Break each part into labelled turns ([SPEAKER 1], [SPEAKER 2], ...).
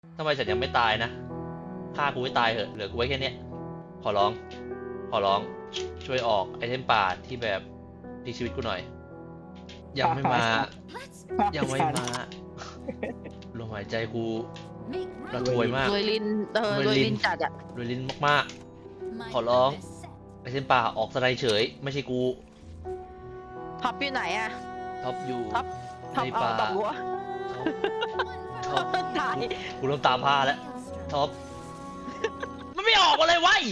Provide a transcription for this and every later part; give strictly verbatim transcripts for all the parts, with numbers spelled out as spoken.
[SPEAKER 1] ทำไมฉันยังไม่ตายนะฆ่ากูให้ตายเหอะเหลือกูไว้แค่นี้ขอร้องขอร้องช่วยออกไอเทมป่าที่แบบดีชีวิตกูหน่อย ยังไม่มายังไม่มาลมหายใจกูระทวยมาก
[SPEAKER 2] รวยลินเออรวยลินจัดอะ
[SPEAKER 1] รวยลิ้นมากๆขอร้องไอเทมป่าออกสไลด์เฉยไม่ใช่กู
[SPEAKER 2] ท็อปอยู่ไหนอะ
[SPEAKER 1] ท็อปอยู่
[SPEAKER 2] ท็อปท็อป
[SPEAKER 1] ใน
[SPEAKER 2] เอา
[SPEAKER 1] ป่า
[SPEAKER 2] ตบหัว
[SPEAKER 1] ท็อป
[SPEAKER 2] ตาย
[SPEAKER 1] กูเริ่มตามผ้าแล้วท็อปมันไม่ออกมาเลยวะไอ้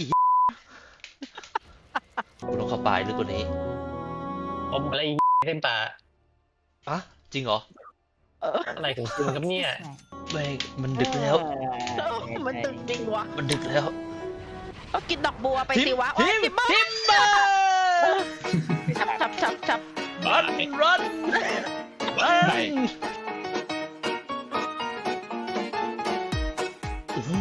[SPEAKER 1] กูต้องเข้าไปลึกกว่านี้
[SPEAKER 3] อมอะไรเส้นป่า
[SPEAKER 1] อะจริงเหรอ
[SPEAKER 2] เออ
[SPEAKER 3] อะไรของคุณครับเนี่ย
[SPEAKER 1] แม่งมันดึกแล้ว
[SPEAKER 2] มันตึงจริงวะ
[SPEAKER 1] มันดึกแล้ว
[SPEAKER 2] ก็กินดอกบัวไปสิวะโอ้
[SPEAKER 1] ทิ
[SPEAKER 2] ย
[SPEAKER 1] ม
[SPEAKER 2] ทิมเบอร์
[SPEAKER 1] ทิมเบอร์
[SPEAKER 2] ชับชับชับชับ
[SPEAKER 1] รันรันรันโอ้โห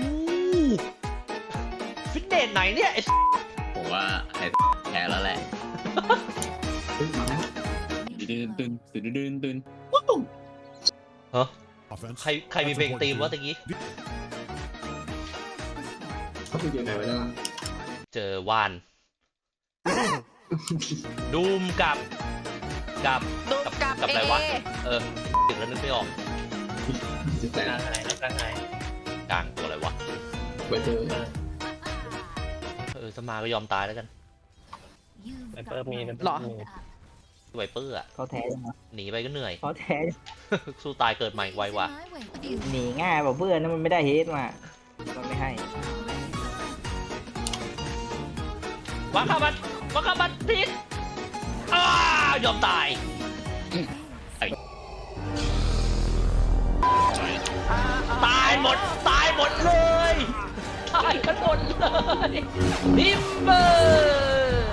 [SPEAKER 1] ฟิตเนสไหนเนี่ยไอ้
[SPEAKER 4] ผมว่าไอ้แพ้แล้วแหละตื่นตื่นตื่นตื่นตื่น
[SPEAKER 1] ฮะใครใครมีเพลงตีมวะตะกี้
[SPEAKER 5] เขาไปอยู่ไหนไว้แล้ว
[SPEAKER 1] เจอวานดูมกับกับ
[SPEAKER 2] ดู
[SPEAKER 1] กับ
[SPEAKER 2] กับ
[SPEAKER 1] กับ
[SPEAKER 2] เอ
[SPEAKER 1] อะไรวะเออถึงแล้วนึกไม่ออก
[SPEAKER 5] จะแต่
[SPEAKER 3] กลางอะไรกลางไหน
[SPEAKER 1] กลางตัวอะไรวะ
[SPEAKER 5] ไปเจอ
[SPEAKER 1] เออสมาก็ยอมตายแล้วกัน
[SPEAKER 3] ไวเปอร์มีไวเปอ
[SPEAKER 2] หรอ
[SPEAKER 3] ร์มี
[SPEAKER 1] ไวเปอร์อะ
[SPEAKER 6] เขาแท้จังวะ
[SPEAKER 1] หนีไปก็เหนื่อย
[SPEAKER 6] เขาแท้
[SPEAKER 1] สู้ตายเกิดใหม่ไวว่ะ
[SPEAKER 6] หนีง่ายกว่าเพื่อนนะมันไม่ได้เฮดมามันไม่ให้
[SPEAKER 1] วังคาบัตวังคาบัตพิษอ้ายอมตาย
[SPEAKER 2] อ่า
[SPEAKER 1] ตายหมดตายหมดเลยตายกันหมดเลยทิมเบอร์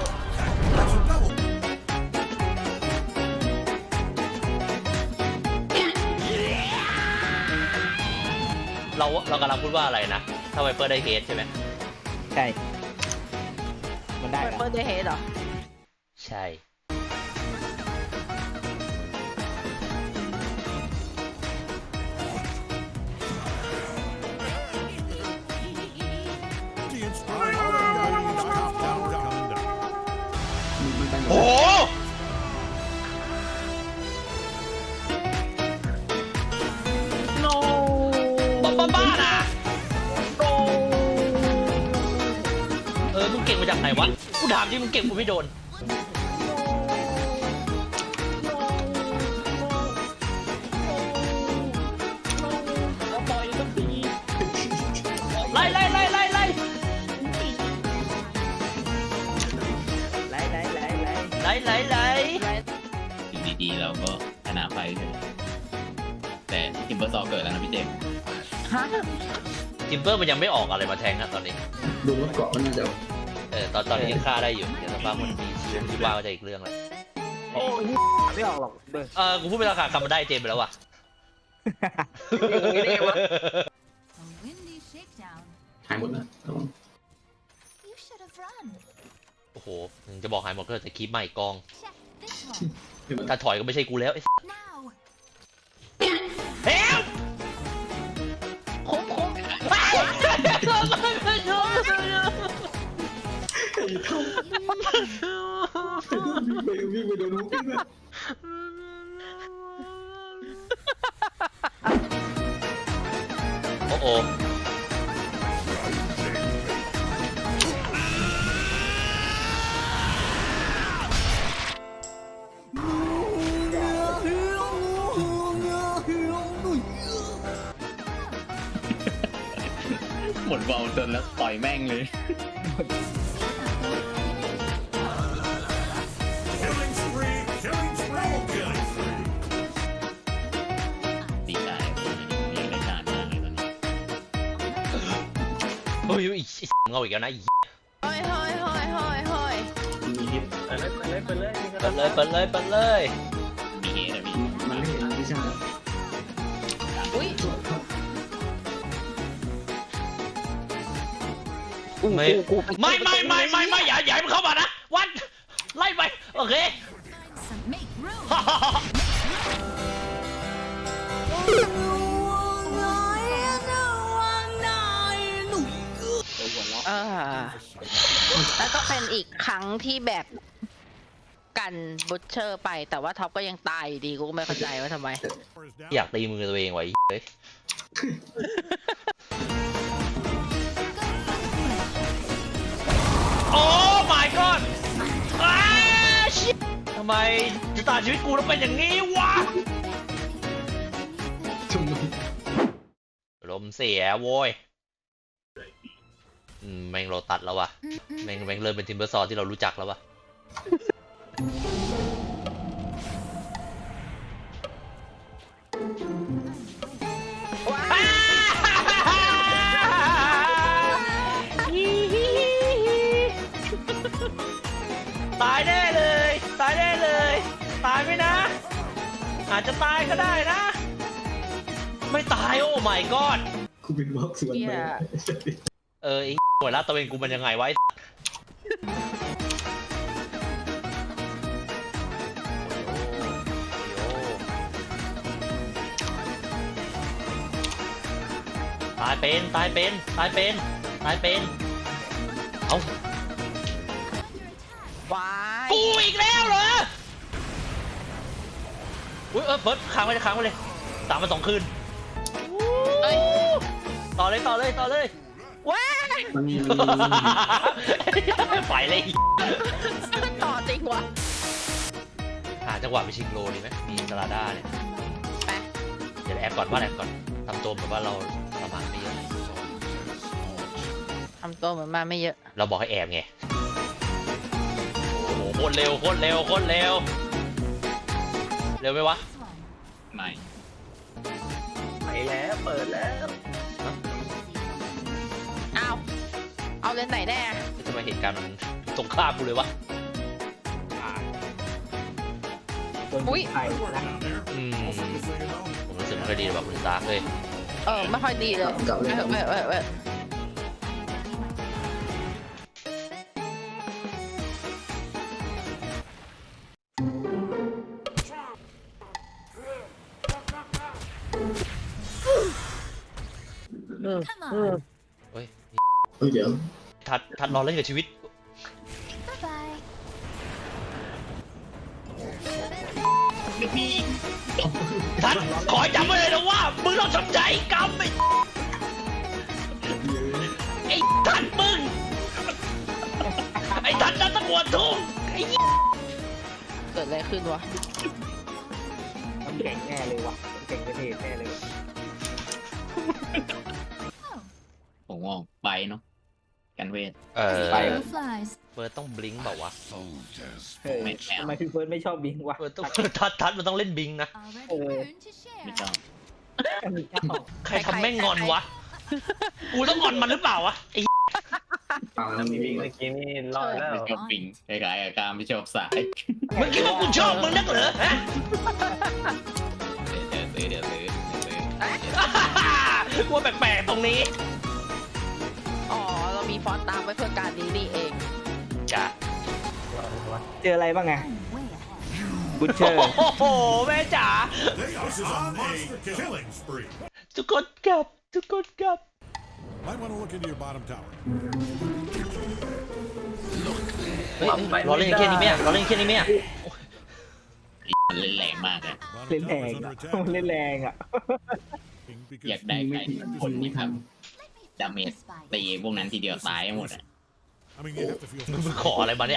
[SPEAKER 1] เราเรากำลังพูดว่าอะไรนะ ถ้าไวเปอร์ได้เฮดใช่ไหม
[SPEAKER 6] ใช่ มันได้
[SPEAKER 2] ไว
[SPEAKER 6] เหร
[SPEAKER 2] เปอ
[SPEAKER 6] อ
[SPEAKER 2] ร์ได้เฮดเหรอ
[SPEAKER 1] ใช่
[SPEAKER 5] มันไปหมด
[SPEAKER 1] โอ้บ้าบ้าบ้าน่ะโอ้เออมึงเก่งมาจากไหนวะกูถามที่มึงเก่งกูไม่โดนไล่ไล่ไล่ไล่ไล่
[SPEAKER 6] ไล่ไล่ไล่ไล่
[SPEAKER 1] ไล่ไล่ไล่
[SPEAKER 4] อยู่ดีๆเราก็ชนะไปใช่ไหมแต่ทิมเบอร์ซอเกิดแล้วนะพี่เจมส์
[SPEAKER 2] ฮะ
[SPEAKER 1] จิมเบอร์มันยังไม่ออกอะไรมาแทงอะตอนนี้
[SPEAKER 5] ดูรถเกาะมันน่าจะ
[SPEAKER 1] เออตอนตอนนี้ยังฆ่าได้อยู่เดี๋ยวสักพักมันมีชีวิตที่ว่าก็จะอีกเรื่องเลย
[SPEAKER 6] โอ้ยไม่ออกหรอกเบอร์
[SPEAKER 1] เออกูพูดไปแล้วค่ะคำมันได้เจมไปแล้วว่ะ
[SPEAKER 6] อย่างนี้ได้ไงวะ
[SPEAKER 5] หายหมดแล้ว
[SPEAKER 1] โอ้โหมึงจะบอกหายหมดก็จะคลิปใหม่กอง
[SPEAKER 5] เห็นไหม
[SPEAKER 1] ถ้าถอยก็ไม่ใช่กูแล้วไอ้เฮล
[SPEAKER 2] คุ้มคุ้ม
[SPEAKER 5] วิ่งไปวิ่งไปโดนมุกเลย
[SPEAKER 1] โอ้โห
[SPEAKER 4] หมดบอลจนแล้วต่อยแม่งเลยดีใจอยากได้ชาติมากเลยตอนนี้
[SPEAKER 1] เฮ้ยอีเงาอีกแล้วนะอี
[SPEAKER 2] เฮ้ยเฮ้ยเฮ้ยเฮ้ยเฮ้ย
[SPEAKER 5] มีฮิต
[SPEAKER 3] เปิดเลยเปิดเลยเปิดเลย
[SPEAKER 1] เปิดเลยเปิดเลยเปิดเลย
[SPEAKER 4] มีเฮดอะมี
[SPEAKER 5] มันไม่เห็นพี่ชาติ
[SPEAKER 2] อุ้ย
[SPEAKER 1] ไม่ไม่ไม่ไม่ไม่ไม่อย่าอย่าให้มันเข้ามานะวันไล่ไปโอเค
[SPEAKER 2] น้อยนะแล้วก็เป็นอีกครั้งที่แบบกันบุชเชอร์ไปแต่ว่าท็อปก็ยังตายอยู่ดีกูก็ไม่เข้าใจว่าทำไม
[SPEAKER 1] อยากตีมือตัวเองไว้เฮ้ยโอ้ my god อ้าชิบทำไมชะตาชีวิตกูต้องเป็นอย่างนี้วะ
[SPEAKER 5] ทำไม
[SPEAKER 1] ลมเสียโว้ยอืมแม่งโรตัดแล้ววะแม่งแม่งเริ่มเป็นทิมเบอร์ซอร์ที่เรารู้จักแล้ววะตายแน่เลย ตายแน่เลย ตายไหมนะ อาจจะตายก็ได้นะ ไม่ตายโอ้ my god
[SPEAKER 5] กูเป็นวอล์กสวนไป
[SPEAKER 1] เออไอ้หัวลาดตะเวนกูมันยังไงไวะไอ้ตายเป็น ตายเป็น ตายเป็น ตายเป็น เอา
[SPEAKER 2] วาย
[SPEAKER 1] กูอีกแล้วเหรอ อุ้ยเออเฟิร์สค้างไว้ค้างไว้เลยตามมาสองคืน
[SPEAKER 2] เอ้ย
[SPEAKER 1] ต่อเลยต่อเลยต่อเลย
[SPEAKER 2] ว้าย
[SPEAKER 5] มันมี
[SPEAKER 1] ไปเลย
[SPEAKER 2] ต่อจริงวะ
[SPEAKER 1] หาจังหวะไปชิงโลดีไหมมีสลาด้าเนี่ย
[SPEAKER 2] ไป
[SPEAKER 1] เดี๋ยวแอบก่อนว่าแอบก่อนทำตัวแบบว่าเราประมาณไม่เยอะ
[SPEAKER 2] ทำตัวเหมือนมาไม่เยอะ
[SPEAKER 1] เราบอกให้แอบไง โอ้โหโคตรเร็วโคตรเร็วโคตรเร็ว เร็วไหมวะ
[SPEAKER 4] ไม่
[SPEAKER 3] ไปแล้วเปิดแล้ว
[SPEAKER 2] เอาเอาเลนไหนแน่
[SPEAKER 1] ทำไมเหตุการณ์มันตรงข้ามกูเลยวะ
[SPEAKER 6] คนไทยนะ
[SPEAKER 1] อืมผมรู้สึกไม่ค่อยดีแบบคุณตาเลย
[SPEAKER 2] เออไม่ค่อยดีเลย
[SPEAKER 5] กลับเลย
[SPEAKER 2] เออเออเออเออ
[SPEAKER 1] เฮ้ย
[SPEAKER 5] เฮ้ยเดี๋ยว
[SPEAKER 1] ทัดทัดรอเล่นกับชีวิต ทัดขอจำไว้เลยนะว่ามึงต้องชดใช้กรรมไอ้ไอ้ทัดมึง ไอ้ทัดนั่นตะกวนทุ่งไอ้
[SPEAKER 2] เกิดอะไรขึ้นวะ
[SPEAKER 6] มันเก่งแน่เลยวะมันเก่งประเทศแน่เลย
[SPEAKER 4] ผมว่าไปเนาะกันเวท
[SPEAKER 1] เออ
[SPEAKER 6] ไป
[SPEAKER 7] flies.
[SPEAKER 1] เฟิร์สต้องบลิงก์เปล่าวะ
[SPEAKER 6] เฮ้ยทำไมพี่เฟิร์สไม่ชอบบิงวะ
[SPEAKER 1] เฟิร์สต้องทัดทัดมันต้องเล่นบลิงก์นะ
[SPEAKER 7] Already learned to
[SPEAKER 4] ไม่
[SPEAKER 7] share.
[SPEAKER 4] ชอบ
[SPEAKER 6] มีเจ้า
[SPEAKER 1] ใครทำแม่งงอนวะ กูต้องงอนมันหรือเปล่าวะไอ้
[SPEAKER 5] เปล่าแล้วมีวิ่ง
[SPEAKER 3] เมื่อกี้นี่รอดแล้ว
[SPEAKER 4] ไม่ชอบปิงคล้ายๆกับการไม่ชอบสาย
[SPEAKER 1] มึงคิดว่ากูชอบมึงนักเหรอฮะ
[SPEAKER 4] เดี๋ยวซื้อเดี๋ยวซื้อเดี๋ยวซื้อ
[SPEAKER 1] กูว่าแปลกๆตรงนี้
[SPEAKER 2] อ๋อเรามีฟอนต์ตามไว้เพื่อการนี้นี่เอง
[SPEAKER 1] จ้ะ
[SPEAKER 6] เจออะไรบ้างไง
[SPEAKER 7] I'm way ahead.
[SPEAKER 6] บุชเชอร์
[SPEAKER 1] โอ้โหแม่จ๋า
[SPEAKER 8] This is a monster killing spree.
[SPEAKER 1] ทุกคนกลับทุกคนกลับ
[SPEAKER 8] Might want to look into your bottom tower.
[SPEAKER 1] เฮ้ยรอเล่นแค่นี้ไหมอะรอเล่นแค่นี้ไหมอะ
[SPEAKER 4] มันเล่นแรงมากเลย
[SPEAKER 8] Bottom
[SPEAKER 6] เล่นแร
[SPEAKER 8] tower
[SPEAKER 6] ง
[SPEAKER 8] is
[SPEAKER 6] อ่ะ
[SPEAKER 8] under attack.
[SPEAKER 6] เล่นแรงอ่ะ
[SPEAKER 8] Because
[SPEAKER 4] อยากได้ใครคนที่ทำดาเมจตีพวกนั้นทีเดียวตายหมดอ่ะ
[SPEAKER 8] I mean, you have to feel
[SPEAKER 1] มึงขออะไรมาเนี่ย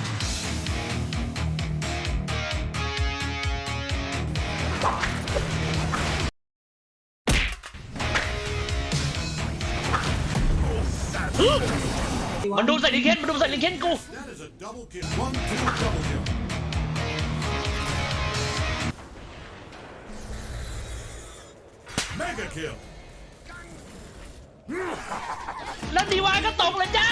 [SPEAKER 1] มันดูใส่ลิงเคนมันดูใส่ลิงเคนกู
[SPEAKER 8] that is a double kill. One, two, double kill. Mega kill.
[SPEAKER 1] แล้วดีวายก็ตกเลยจ้า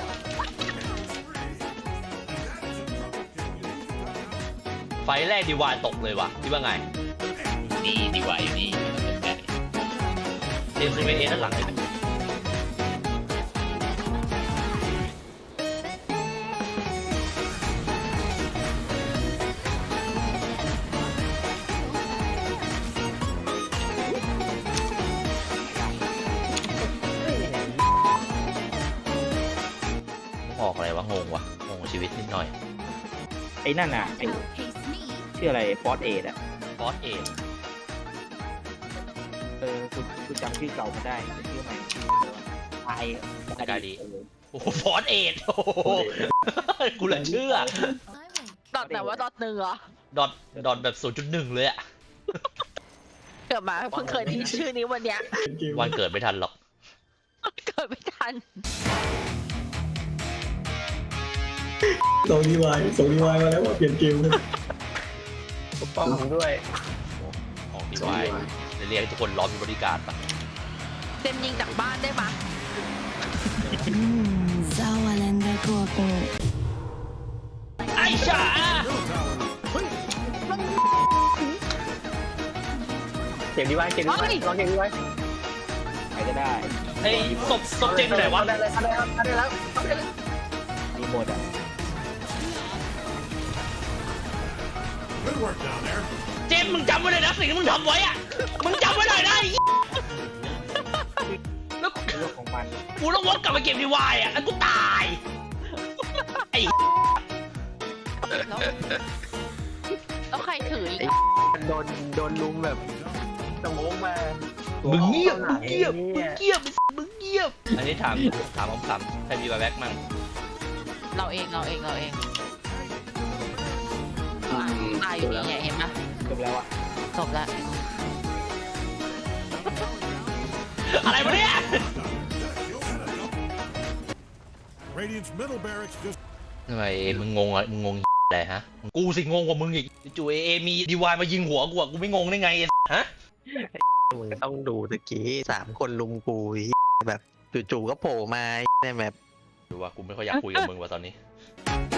[SPEAKER 1] ไฟแรกดีวายตกเลยว่ะคิดว่าไง
[SPEAKER 4] นี่ดีกว่าอยู่นี่
[SPEAKER 1] เอ็มซีเอด้านหลังเลยออกอะไรวะงงงว่ะงงชีวิตนิดหน่อย
[SPEAKER 6] ไอ้นั่นอ่ะไอ้
[SPEAKER 7] Outpace me.
[SPEAKER 6] ชื่ออะไรฟอสเอดอ่ะ
[SPEAKER 1] ฟอสเอท
[SPEAKER 6] เออกูกูจำชื่อเก่ามาได้แต่ชื่อใหม่ไอ
[SPEAKER 1] กาดีโอ้โหฟอสเอทโอ้โหกูเหลือเชื่อ
[SPEAKER 7] I wink.
[SPEAKER 2] ดอทไหนว่าดอทหนึ่งเหรอ
[SPEAKER 1] ดอทดอทแบบศูนย์จุดหนึ่งเลยอะ
[SPEAKER 2] เกิดมาเพิ่งเคยได้ยินชื่อนี้วันเนี้ย
[SPEAKER 5] เป็นเกม
[SPEAKER 1] วันเกิดไม่ทันหรอก
[SPEAKER 2] เกิดไม่ทัน
[SPEAKER 5] ส่งดีวายส่งดีวายมาแล้วว่าเปลี่ยนเกมเลย
[SPEAKER 3] ปกป้องผมด้วย
[SPEAKER 1] ของดีไว้เรียกทุกคนล้อมมีบริการปะ
[SPEAKER 2] เต็มยิงจากบ้านได้ปะ
[SPEAKER 7] Sauerländer Gurken.
[SPEAKER 1] ไอ้ฉา
[SPEAKER 3] เก็บดีไว้เก็บดีไว้ลองเก็บดีไว้
[SPEAKER 6] ใครก็ได้
[SPEAKER 1] ไอ้ศพศพเจมส์อยู่ไหนวะ
[SPEAKER 3] ได้เลยได้แล้วได้แล้วได้แล้ว
[SPEAKER 6] รีโมทอ่ะ
[SPEAKER 8] Good work down there.
[SPEAKER 1] เจมส์มึงจำไว้เลยนะสิ่งที่มึงทำไว้อะมึงจำไว้หน่อยนะไอ้แล้ว
[SPEAKER 6] เรื่องของมัน
[SPEAKER 1] กูต้องวนกลับไปเก็บดีวายอะแล้วกูตายไอ้
[SPEAKER 2] แล้วแล้วใครถืออีก
[SPEAKER 3] โดนโดนลุมแบบสมองมา
[SPEAKER 1] มึงเงียบมึงเงียบ
[SPEAKER 3] มึ
[SPEAKER 1] มึงเงียบมึงเงียบอันนี้ถามถามคำถามใครมีบาแบ็กมั่ง
[SPEAKER 2] เราเองเราเองเราเอง
[SPEAKER 5] อืม
[SPEAKER 2] ตายอยู่นี่ไงเห็นปะ
[SPEAKER 6] จบแล้วอ่ะ
[SPEAKER 2] จบแล้ว
[SPEAKER 1] อะไรวะเนี่ย
[SPEAKER 8] Radiant's middle barracks just
[SPEAKER 1] ทำไมมึงงงอะมึงงงอะไรฮะกูสิงงกว่ามึงอีกจู่เอเอมีดีวายมายิงหัวกูอะกูไม่งงได้ไงฮะ
[SPEAKER 9] มึงต้องดูตะกี้สามคนลุมกูไอ้แบบจู่ๆก็โผล่มาในแบบ
[SPEAKER 1] ดูว่ากูไม่ค่อยอยากคุยกับมึงว่ะตอนนี้